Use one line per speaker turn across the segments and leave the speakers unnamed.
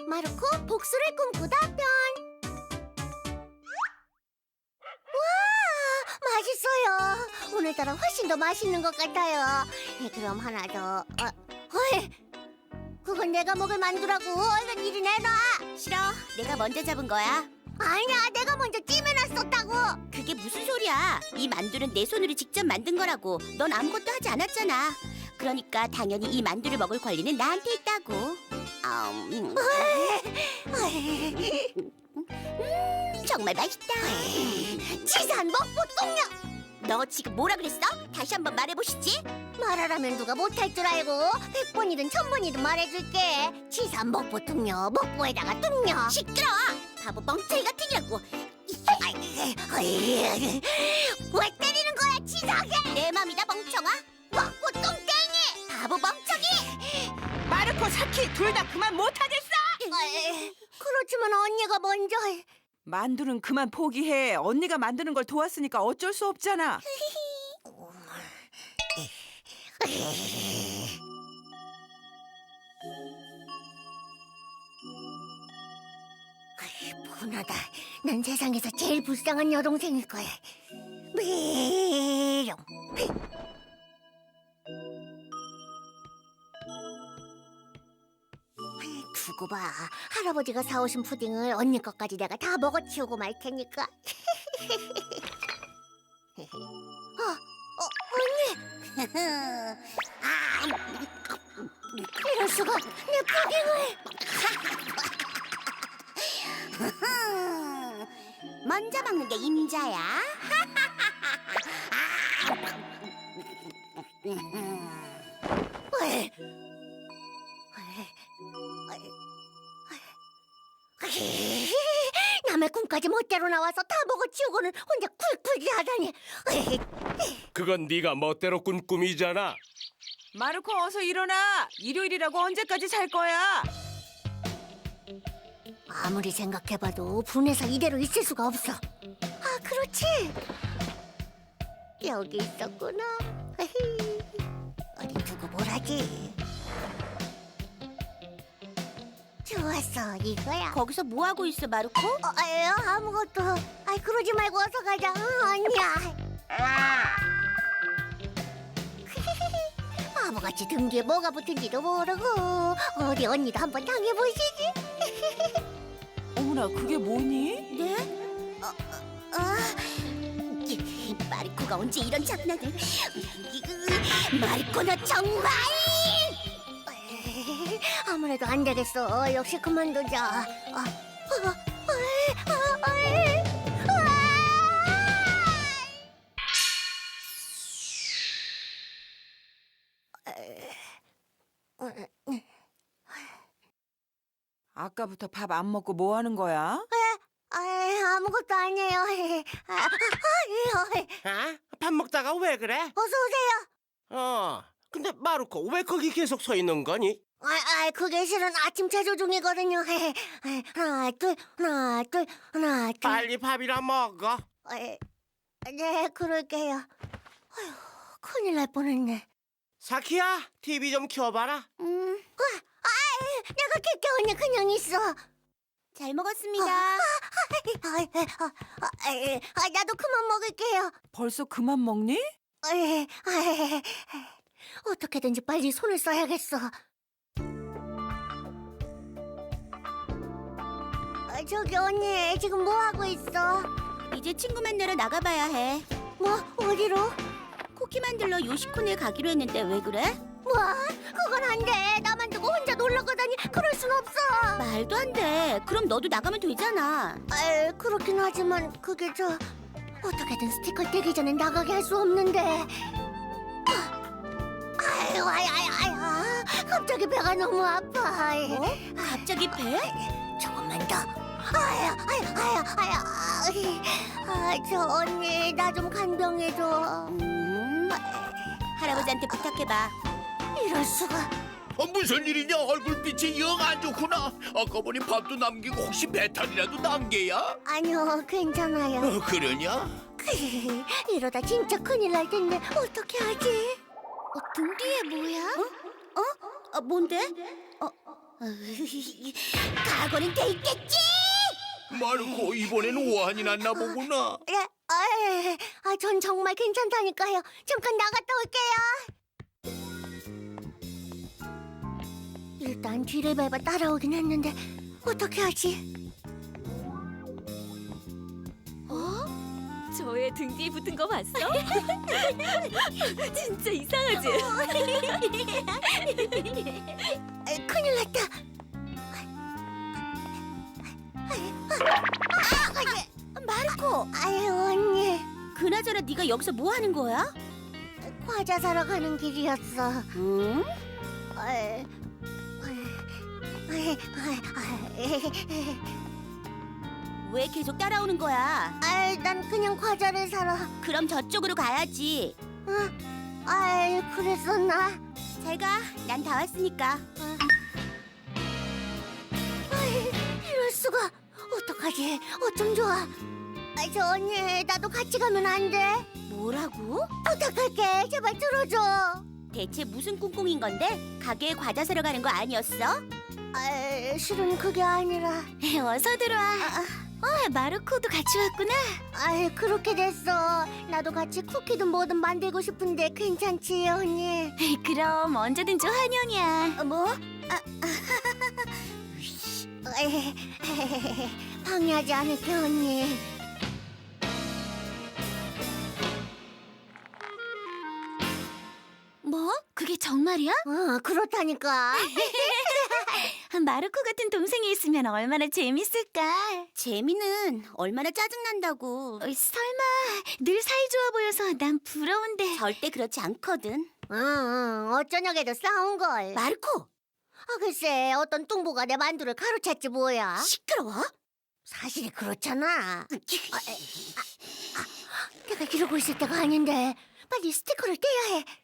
마르코 복수를 꿈꾸다 편. 와, 맛있어요. 오늘따라 훨씬 더 맛있는 것 같아요. 그럼 하나 더. 어이, 그건 내가 먹을 만두라고. 얼른 이리 내놔.
싫어. 내가 먼저 잡은 거야.
아니야, 내가 먼저 찜해놨었다고.
그게 무슨 소리야? 이 만두는 내 손으로 직접 만든 거라고. 넌 아무것도 하지 않았잖아. 그러니까 당연히 이 만두를 먹을 권리는 나한테 있다고. 정말 맛있다.
치사한 먹보 똥녀.
너 지금 뭐라 그랬어? 다시 한번 말해보시지.
말하라면 누가 못할 줄 알고 100번이든 1000번이든 말해줄게. 치사한 먹보 똥녀, 먹보에다가 똥녀.
시끄러워. 바보 멍청이 같으냐고.
왜 때리는 거야, 치사하게.
내 맘이다 멍청아.
먹보 똥땡이.
바보 멍청이.
마르코, 사키 둘 다 그만 못하겠어!
그렇지만 언니가 먼저.
만두는 그만 포기해. 언니가 만드는 걸 도왔으니까 어쩔 수 없잖아.
분하다. 난 세상에서 제일 불쌍한 여동생일 거야. 미용. 두고 봐. 할아버지가 사오신 푸딩을 언니 것까지 내가 다 먹어치우고 말 테니까. 언니. 이럴 수가. 내 푸딩을.
먼저 먹는 게 임자야.
왜? 남의 꿈까지 멋대로 나와서 다 먹어치우고는 혼자 쿨쿨이 하다니.
그건 네가 멋대로 꾼 꿈이잖아.
마르코, 어서 일어나. 일요일이라고 언제까지 잘 거야?
아무리 생각해봐도 분해서 이대로 있을 수가 없어. 아, 그렇지. 여기 있었구나. 어디 두고 뭘 하지? 좋았어, 이거야.
거기서 뭐 하고 있어, 마르코?
아무것도. 그러지 말고 어서 가자. 언니야. 바보같이 등 뒤에 뭐가 붙은지도 모르고. 어디 언니도 한번 당해보시지.
어머나, 그게 뭐니?
네? 마르코가 언제 이런 장난을? 마르코 너 정말!
아무래도 안 되겠어. 역시 그만두자.
아까부터 밥 안 먹고 뭐 하는 거야?
아무것도 아니에요.
밥 먹다가 왜 그래?
어서 오세요.
근데 마르코 왜 거기 계속 서 있는 거니?
그게 실은 아침 체조 중이거든요. 하나, 둘, 하나, 둘, 하나, 둘.
빨리 밥이나 먹어.
네, 그럴게요. 아휴, 큰일 날 뻔했네.
사키야, TV 좀 켜봐라.
내가 킬게 언니 그냥 있어.
잘 먹었습니다.
나도 그만 먹을게요.
벌써 그만 먹니?
어떻게든지 빨리 손을 써야겠어. 저기 언니 지금 뭐 하고 있어?
이제 친구 만나러 나가봐야 해.
뭐 어디로?
쿠키 만들러 요시콘에 가기로 했는데 왜 그래?
뭐? 그건 안 돼. 나만 두고 혼자 놀러 가다니 그럴 순 없어.
말도 안 돼. 그럼 너도 나가면 되잖아.
그렇긴 하지만 그게 어떻게든 스티커 떼기 전에 나가게 할 수 없는데. 아유, 갑자기 배가 너무 아파.
뭐? 갑자기 배?
조금만 더. 저 언니 나 좀 간병해줘.
할아버지한테 부탁해봐.
이럴 수가.
무슨 일이냐? 얼굴빛이 영 안 좋구나. 아까 보니 밥도 남기고 혹시 메탈이라도 남게야?
아니요, 괜찮아요.
그러냐?
이러다 진짜 큰일 날 텐데 어떻게 하지? 등 뒤에 뭐야?
뭔데? 각오는 돼 있겠지.
마르코, 이번엔 오한이 났나 보구나.
예, 전 정말 괜찮다니까요. 잠깐 나갔다 올게요. 일단 뒤를 밟아 따라오긴 했는데 어떻게 하지?
저의 등 뒤에 붙은 거 봤어? 진짜 이상하지?
큰일 났다.
마르코,
아유 언니,
그나저나 네가 여기서 뭐 하는 거야?
과자 사러 가는 길이었어.
응?
아이,
왜 계속 따라오는 거야?
난 그냥 과자를 사러.
그럼 저쪽으로 가야지.
그랬었나?
잘 가. 난 다 왔으니까.
이럴 수가. 어떡하지? 어쩜 좋아. 저 언니, 나도 같이 가면 안 돼?
뭐라고?
부탁할게. 제발 들어줘.
대체 무슨 꿍꿍인 건데? 가게에 과자 사러 가는 거 아니었어?
실은 그게 아니라.
어서 들어와. 마르코도 같이 왔구나.
그렇게 됐어. 나도 같이 쿠키든 뭐든 만들고 싶은데 괜찮지, 언니?
그럼 언제든지 환영이야.
뭐? 방해하지 않을게, 언니.
뭐? 그게 정말이야?
그렇다니까.
마르코 같은 동생이 있으면 얼마나 재밌을까?
재미는 얼마나 짜증난다고.
설마 늘 사이좋아 보여서 난 부러운데.
절대 그렇지 않거든.
어쩌냐게도 싸운걸.
마르코,
글쎄, 어떤 뚱보가 내 만두를 가로챘지 뭐야.
시끄러워?
사실이 그렇잖아. 내가 이러고 있을 때가 아닌데 빨리 스티커를 떼야 해.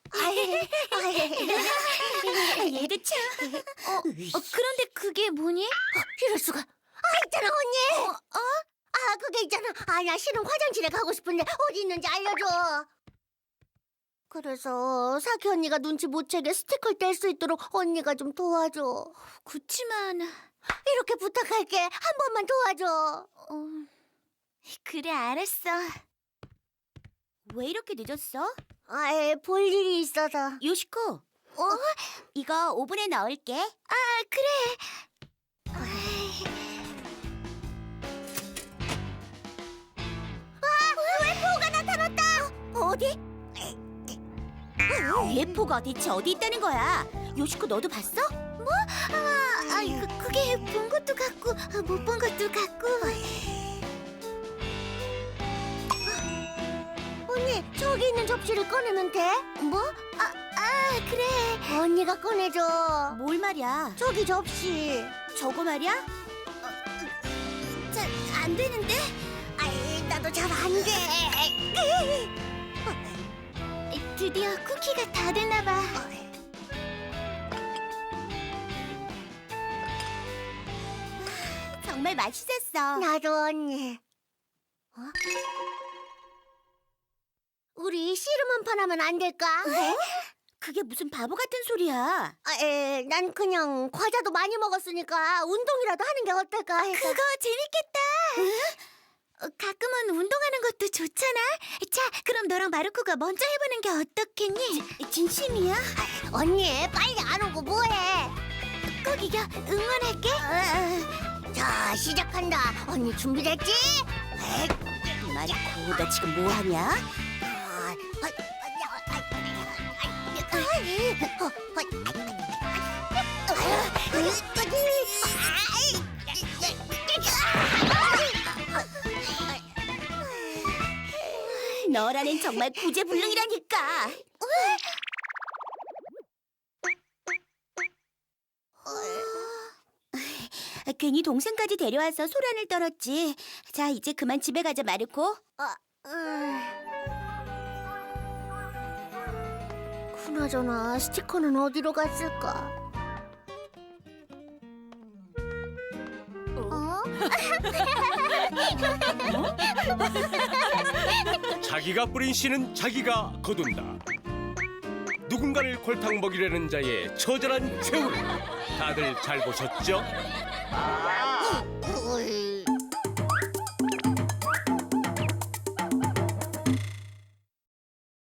얘도 참.
그런데 그게 뭐니?
이럴 수가. 있잖아 언니. 그게 있잖아. 나 실은 화장실에 가고 싶은데 어디 있는지 알려줘. 그래서 사키 언니가 눈치 못 채게 스티커를 뗄 수 있도록 언니가 좀 도와줘.
그치만
이렇게 부탁할게. 한 번만 도와줘.
그래 알았어.
왜 이렇게 늦었어?
볼 일이 있어서.
요시코, 이거 오븐에 넣을게.
그래.
웨포가 나타났다.
어디? 예포가 대체 어디 있다는 거야? 요시코 너도 봤어?
그게 본 것도 같고 못 본 것도 같고.
언니, 저기 있는 접시를 꺼내면 돼?
뭐? 그래.
언니가 꺼내줘.
뭘 말이야?
저기 접시.
저거 말이야?
잘 안 되는데? 나도 잘 안 돼.
드디어 쿠키가 다 됐나 봐.
정말 맛있었어.
나도 언니. 우리 씨름 한 판 하면 안 될까?
그게 무슨 바보 같은 소리야?
난 그냥 과자도 많이 먹었으니까 운동이라도 하는 게 어떨까 해서.
그거 재밌겠다. 가끔은 운동하는 것도 좋잖아. 자, 그럼 너랑 마르코가 먼저 해보는 게 어떻겠니?
진심이야?
언니, 빨리 안 오고 뭐해?
꼭 이겨. 응원할게.
자, 시작한다. 언니 준비됐지?
마르코, 너 지금 뭐 하냐? 너라는 정말 구제불능이라니까. 괜히 동생까지 데려와서 소란을 떨었지. 자, 이제 그만 집에 가자, 마르코.
그나저나 스티커는 어디로 갔을까?
자기가 뿌린 씨는 자기가 거둔다.
누군가를 골탕 먹이려는 자의 처절한 최후. 다들 잘 보셨죠?